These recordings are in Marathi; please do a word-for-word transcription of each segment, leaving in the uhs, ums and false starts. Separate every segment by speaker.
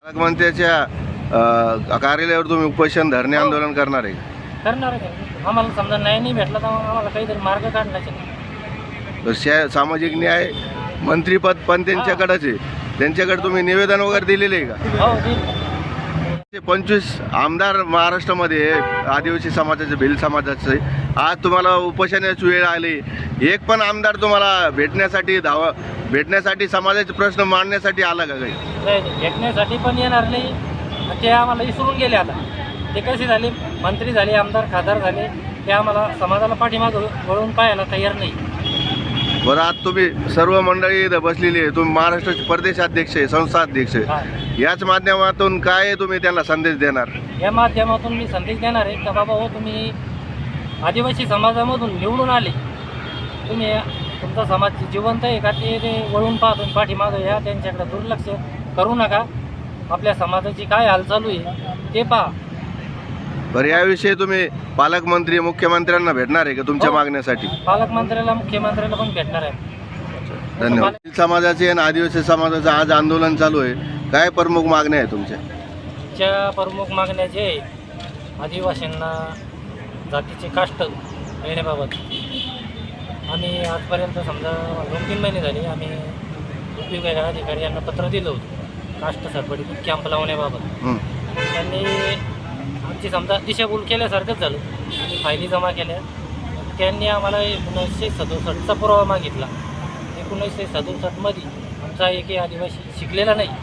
Speaker 1: पालकमंत्र्याच्या अ, कार्यालयावर तुम्ही उपोषण धरणे आंदोलन करणार आहे?
Speaker 2: करणार आहे. आम्हाला समजा न्याय नाही भेटला तर मग आम्हाला काहीतरी मार्ग काढण्याचे.
Speaker 1: तर शा- सामाजिक न्याय मंत्रीपद पण त्यांच्याकडेच आहे, त्यांच्याकडे तुम्ही निवेदन वगैरे दिलेले आहे का?
Speaker 2: हो दिलं.
Speaker 1: ते पंचवीस आमदार महाराष्ट्रामध्ये आहे, आदिवासी समाजाचे, भिल समाजाचे. आज तुम्हाला उपोषणाची वेळ आली, एक पण आमदार तुम्हाला भेटण्यासाठी धाव भेटण्यासाठी समाजाचे प्रश्न मांडण्यासाठी आला का काही?
Speaker 2: नाही नाही, भेटण्यासाठी पण येणार नाही. ते आम्हाला विसरून गेले. आता ते कसे झाले, मंत्री झाले, आमदार खासदार झाले, ते आम्हाला समाजाला पाठीमागं वळून पाहायला तयार नाही.
Speaker 1: बरं, आज तुम्ही सर्व मंडळी इथं बसलेली आहे, तुम्ही महाराष्ट्राचे प्रदेशाध्यक्ष आहे, संस्था अध्यक्ष आहे,
Speaker 2: हा.
Speaker 1: याच माध्यमातून काय तुम्ही त्यांना संदेश देणार?
Speaker 2: या माध्यमातून मी संदेश देणार आहे का बाबा हो, तुम्ही आदिवासी समाजामधून निवडून आले, तुम्ही तुमचा समाज जिवंत आहे का ते ते वळून पाहतून पाठीमागं या, त्यांच्याकडे दुर्लक्ष करू नका. आपल्या समाजाची काय हाल चालू आहे ते पहा.
Speaker 1: बरं, याविषयी तुम्ही पालकमंत्री मुख्यमंत्र्यांना भेटणार आहे का तुमच्या
Speaker 2: हो.
Speaker 1: मागण्यासाठी?
Speaker 2: पालकमंत्र्याला मुख्यमंत्र्याला पण भेटणार आहे.
Speaker 1: धन्यवाद. भिल समाजाचे आणि आदिवासी समाजाचं आज आंदोलन चालू आहे, काय प्रमुख मागण्या आहे तुमच्या?
Speaker 2: च्या प्रमुख मागण्या जे आदिवासींना जातीचे कास्ट येण्याबाबत आम्ही आजपर्यंत समजा दोन तीन महिने झाले आम्ही उपविभाग अधिकारी यांना पत्र दिलं होतं कास्ट सर्टिफिकेट कॅम्प लावण्याबाबत.
Speaker 1: हं.
Speaker 2: त्यांनी आमची समजा दिशाभूल केल्यासारखंच झालं. आम्ही फायली जमा केल्या. त्यांनी आम्हाला एकोणीसशे सदुसष्टचा पुरावा मागितला. एकोणीसशे सदुसष्टमध्ये आमचा एकही आदिवासी शिकलेला नाही,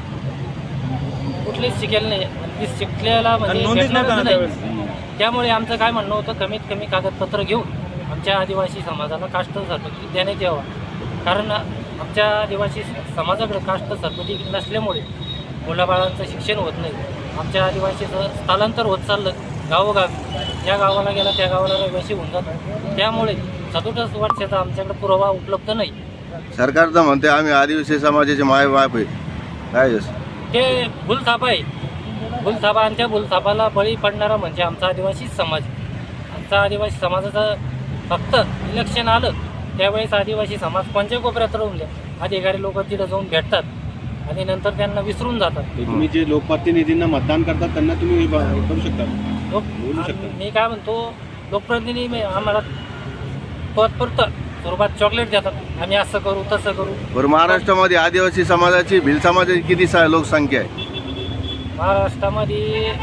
Speaker 2: कुठलेच शिकेल नाही, आणि ती शिकलेला म्हणजे भेटणारच नाही. त्यामुळे आमचं काय म्हणणं होतं, कमीत कमी कागदपत्र घेऊन आमच्या आदिवासी समाजाला कास्ट सर्टिफिकेट देण्यात यावं. कारण आमच्या आदिवासी समाजाकडे कास्ट सर्टिफिकेट नसल्यामुळे मुलाबाळांचं शिक्षण होत नाही. आमच्या आदिवासीचं स्थलांतर होत चाललं गावोगावी. ज्या गावाला गेला त्या गावाला रहिवासी होऊन जातात. त्यामुळे सदुसष्ट वर्षाचा आमच्याकडे पुरावा उपलब्ध नाही.
Speaker 1: सरकार तर म्हणते आम्ही आदिवासी समाजाचे मायबाप आहे, काय आहे?
Speaker 2: ते भूलथापा आहे, भूलथापा. आणि त्या भूलथापाला बळी पडणारा म्हणजे आमचा आदिवासी समाज. आमचा आदिवासी समाजाचं फक्त इलेक्शन आलं त्यावेळेस आदिवासी समाज कोणत्या कोपऱ्यात राहून द्या, अधिकारी लोक तिथं जाऊन भेटतात आणि नंतर त्यांना विसरून जातात.
Speaker 3: तुम्ही जे लोकप्रतिनिधींना मतदान करतात त्यांना तुम्ही ब- करू शकता,
Speaker 2: लोक
Speaker 3: बोलू शकता.
Speaker 2: मी काय म्हणतो, लोकप्रतिनिधी आम्हाला पदपुरतं स्वरूपात चॉकलेट देतात, आम्ही असं करू तसं करू.
Speaker 1: बरं, महाराष्ट्रामध्ये आदिवासी समाजाची, भिल समाजाची किती सा लोकसंख्या आहे?
Speaker 2: महाराष्ट्रामध्ये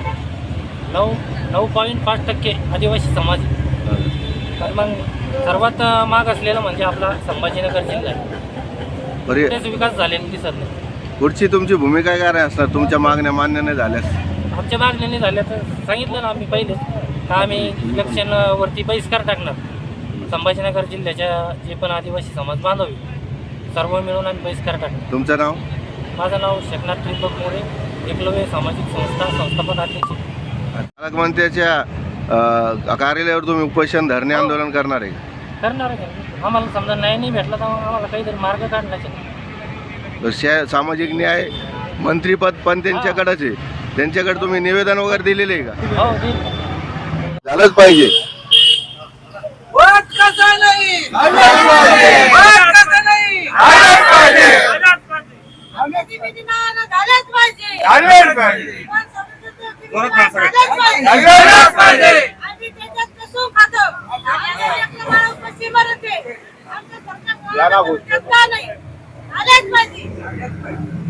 Speaker 2: नऊ नऊ पॉईंट पाच टक्के आदिवासी समाज आहे. तर मग सर्वात माग असलेला म्हणजे आपला संभाजीनगर जिल्हा आहे.
Speaker 1: बरे,
Speaker 2: तेच विकास झालेला दिसत नाही.
Speaker 1: पुढची तुमची भूमिका काय असणार तुमच्या मागण्या मान्य नाही झाल्यास?
Speaker 2: आमच्या मागण्या झाल्या तर सांगितलं ना आम्ही पहिले का आम्ही इलेक्शनवरती बहिष्कार टाकणार. संभाजीनगर जिल्ह्याच्या जे पण आदिवासी समाज बांधव आहे सर्व मिळून आम्ही बहिष्कार टाकणार.
Speaker 1: तुमचं नाव?
Speaker 2: माझं नाव शेखनाथ त्रिपक मोरे, एकलव्य सामाजिक संस्था संस्थापक अध्यक्ष.
Speaker 1: पालकमंत्र्याच्या अ, कार्यालयावर तुम्ही उपोषण धरणे आंदोलन करणार आहे?
Speaker 2: करणार आहे. आम्हाला समजा न्याय नाही भेटला तर मग आम्हाला काहीतरी मार्ग काढण्याचे.
Speaker 1: तर शा- सामाजिक न्याय मंत्रीपद पण त्यांच्याकडेच आहे, त्यांच्याकडे तुम्ही निवेदन वगैरे दिलेले आहे का?
Speaker 2: हो दिलं.
Speaker 1: झालंच पाहिजे.
Speaker 4: वाद कसा नाही, वाद कसा नाही, आम्ही विधिमान झालेच पाहिजे, झालेच पाहिजे, झालेच पाहिजे. आम्ही त्याच्यात कसून खातो, आम्ही एकलं बाळ उपाशी मरते, आमचं सरकार कोणाला नाही, झालेच पाहिजे.